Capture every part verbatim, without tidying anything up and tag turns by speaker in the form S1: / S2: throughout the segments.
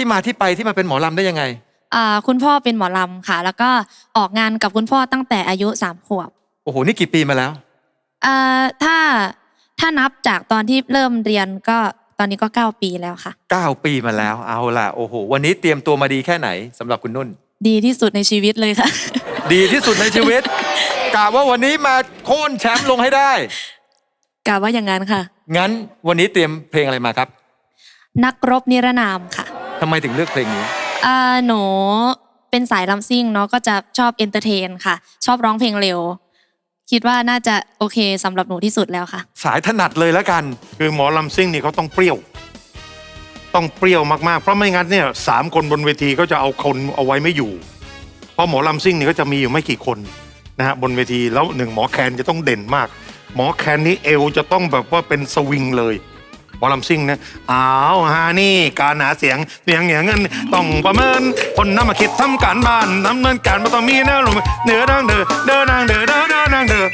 S1: ที่มาที่ไปที่มาเป็นหมอลำได้ยังไง
S2: อ่าคุณพ่อเป็นหมอลำค่ะแล้วก็ออกงานกับคุณพ่อตั้งแต่อายุสามขวบ
S1: โอ้โหนี่กี่ปีมาแล้ว
S2: อ่าถ้าถ้านับจากตอนที่เริ่มเรียนก็ตอนนี้ก็เก้าปีแล้วค่ะ
S1: เก้าปีมาแล้วเอาล่ะโอ้โหวันนี้เตรียมตัวมาดีแค่ไหนสำหรับคุณนุ่น
S2: ดีที่สุดในชีวิตเลยค่ะ
S1: ดีที่สุดในชีวิตกะว่าวันนี้มาโค่นแชมป์ลงให้ได้
S2: กะว่าอย่างนั้นค่ะ
S1: งั้นวันนี้เตรียมเพลงอะไรมาครับ
S2: นักรบนิรนามค่ะ
S1: ทำไมถึงเลือกเพลงนี้
S2: อ่าหนูเป็นสายลำซิ่งเนาะก็จะชอบเอนเตอร์เทนค่ะชอบร้องเพลงเร็วคิดว่าน่าจะโอเคสำหรับหนูที่สุดแล้วค่ะ
S1: สายถนัดเลยแล้วกัน
S3: คือหมอลำซิ่งนี่เขาต้องเปรี้ยวต้องเปรี้ยวมากๆเพราะไม่งั้นเนี่ยสามคนบนเวทีก็จะเอาคนเอาไว้ไม่อยู่เพราะหมอลำซิ่งนี่ก็จะมีอยู่ไม่กี่คนนะฮะบนเวทีแล้วหนึ่งหมอแคนจะต้องเด่นมากหมอแคนนี้เอวจะต้องแบบว่าเป็นสวิงเลยหมอลำซิ่งนะอ้าวฮานี่การหาเสียงเสียงอย่างนั้นต้องประเมินคนนำมาคิดทำการบ้านดำเนินการมาต้องมีแนวลมเดือดังเดือเดินนางเดือเดินเดินนางเดือ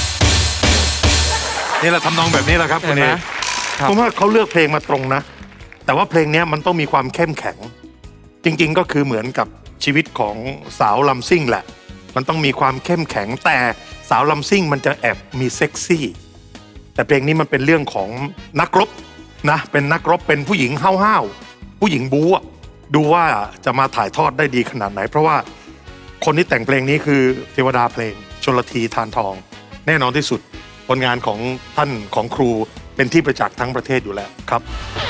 S3: นี่แหละทำนองแบบนี้แหละครับคุณเอผมว่าเขาเลือกเพลงมาตรงนะแต่ว่าเพลงนี้มันต้องมีความเข้มแข็งจริงๆก็คือเหมือนกับชีวิตของสาวลำซิ่งแหละมันต้องมีความเข้มแข็งแต่สาวลำซิ่งมันจะแอบมีเซ็กซี่แต่เพลงนี้มันเป็นเรื่องของนักรบนะเป็นนักรบเป็นผู้หญิงห้าวๆผู้หญิงบู๊ดูว่าจะมาถ่ายทอดได้ดีขนาดไหนเพราะว่าคนที่แต่งเพลงนี้คือเทวดาเพลงชลธีทานทองแน่นอนที่สุดผลงานของท่านของครูเป็นที่ประจักษ์ทั้งประเทศอยู่แล้วครับ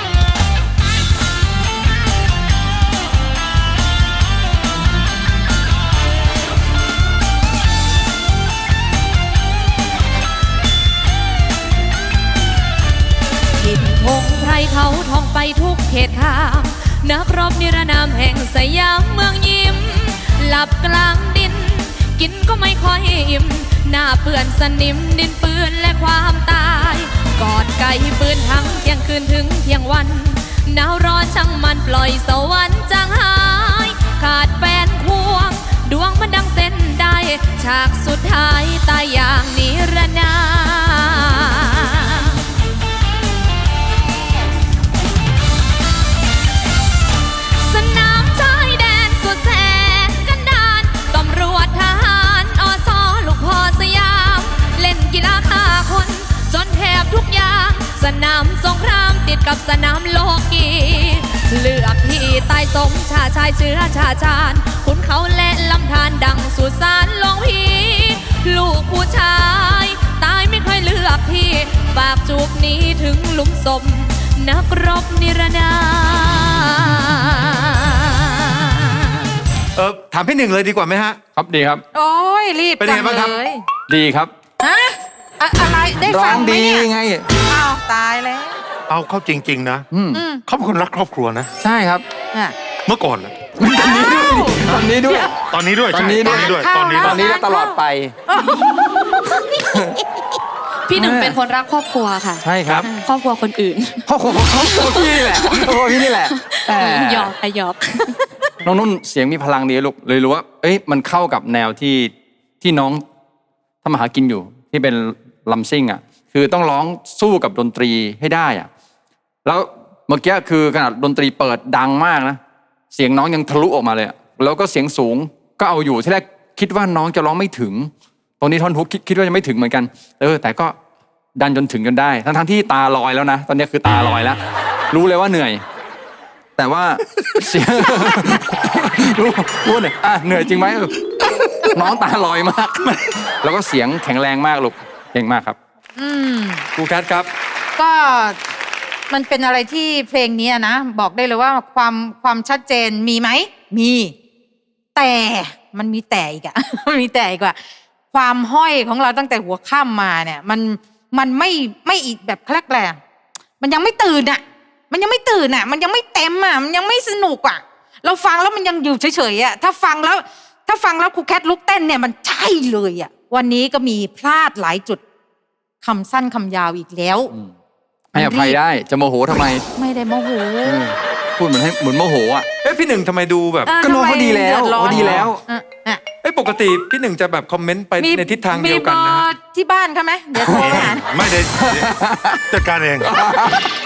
S4: พงไพรเขาท่องไปทุกเขตทางนักรบนิรนามแห่งสยามเมืองยิ้มหลับกลางดินกินก็ไม่ค่อยอิ่มหน้าเปื่อนสนิมดินปืนและความตายกอดไก่ปืนทั้งเที่ยงคืนถึงเที่ยงวันหนาวร้อนช่างมันปล่อยสวรรค์จางหายขาดแฟนควงดวงมันดังเส้นได้ฉากสุดท้ายตายอย่างนิรนามสนามชายแดนสุดแสนกันดารตำรวจทหารอสลูกพ่อสยามเล่นกีฬาฆ่าคนจนแทบทุกอย่างสนามสงครามติดกับสนามโลกีเลือกที่ตายสมชาชายเชื้อชาชาญขุนเขาและลำธารดังสุสานลงพีลูกผู้ชายตายไม่ค่อยเลือกที่ฝากจูบนี้ถึงหลุมศพนักรบนิรนาม
S1: เออถามพี่หนึ่งเลยดีกว่าไหมฮะ
S5: ครับดีครับ
S6: โอ้ยรีบ
S1: เป็นไงบ้างครับ
S5: ดีครับ
S6: ฮะอะไรได้ฟังไหมเนี่ย
S5: ไง
S6: อ้าวตายแล้ว
S3: เอาเข้าจริงๆนะเขาเป็นคนรักครอบครัวนะ
S5: ใช่ครับ
S3: เมื่อก่อน
S5: ตอนนี้ด้วย
S3: ตอนนี้ด้วย
S5: ตอนนี้ด้วย
S3: ตอนนี้ด้วย
S5: ตอนนี้และตลอดไป
S2: พี่หนึ่งเป็นคนรักครอบครัวค่ะ
S5: ใช่ครับ
S2: ครอบครัวคนอื่น
S5: ครอบครัวครอบครัวพี่นี่แหละครอบครัวพี่นี่แหละ
S2: หยอกไอหยอก
S5: น้องนุ่นเสียงมีพลังดีลูกเลยรู้ว่าเอ้ยมันเข้ากับแนวที่ที่น้องทำมาหากินอยู่ที่เป็นลำซิ่งอ่ะคือต้องร้องสู้กับดนตรีให้ได้อ่ะแล้วเมื่อกี้คือขนาดดนตรีเปิดดังมากนะเสียงน้องยังทะลุออกมาเลยแล้วก็เสียงสูงก็เอาอยู่ที่แรกคิดว่าน้องจะร้องไม่ถึงตรงนี้ท่อนฮุกคิดว่าจะไม่ถึงเหมือนกันเออแต่ก็ดันจนถึงจนได้ทั้งทั้งที่ตาลอยแล้วนะตอนนี้คือตาลอยแล้วรู้เลยว่าเหนื่อยแต่ว่าเสียงรู้รู้เนี่ยอ่ะเหนื่อยจริงไหมน้องตาลอยมากแล้วก็เสียงแข็งแรงมากลูกเก่งมากครับ
S6: อืม
S1: ครูแคทครับ
S6: ก็มันเป็นอะไรที่เพลงนี้นะบอกได้เลยว่าความความชัดเจนมีไหมมีแต่มันมีแต่อีกอะมันมีแต่อีกว่าความห้อยของเราตั้งแต่หัวค่ำมาเนี่ยมันมันไม่ไม่อีกแบบแคลกแรงมันยังไม่ตื่นอะมันยังไม่ตื่นอะมันยังไม่เต็มอะมันยังไม่สนุกอะเราฟังแล้วมันยังอยู่เฉยๆอะถ้าฟังแล้วถ้าฟังแล้วครูแคทลุกเต้นเนี่ยมันใช่เลยอะวันนี้ก็มีพลาดหลายจุดคำสั้นคำยาวอีกแล้ว
S5: ให้อภัยได้จะโมโหทำไม
S6: ไม่ได้โมโห
S5: พูดเหมือนให้เหมือนโมโหอ่ะ
S1: เอ้พี่หนึ่งทำไมดูแบบ
S5: ก็น้องเขาดีแล้วเขาดีแล้ว
S1: เอ้ปกติพี่หนึ่งจะแบบคอมเมนต์ไปในทิศทางเดียวกันนะ
S6: ที่บ้านเขาไหมเดี๋ยวโทรไปหา
S3: ไม่ได้จัดการเอง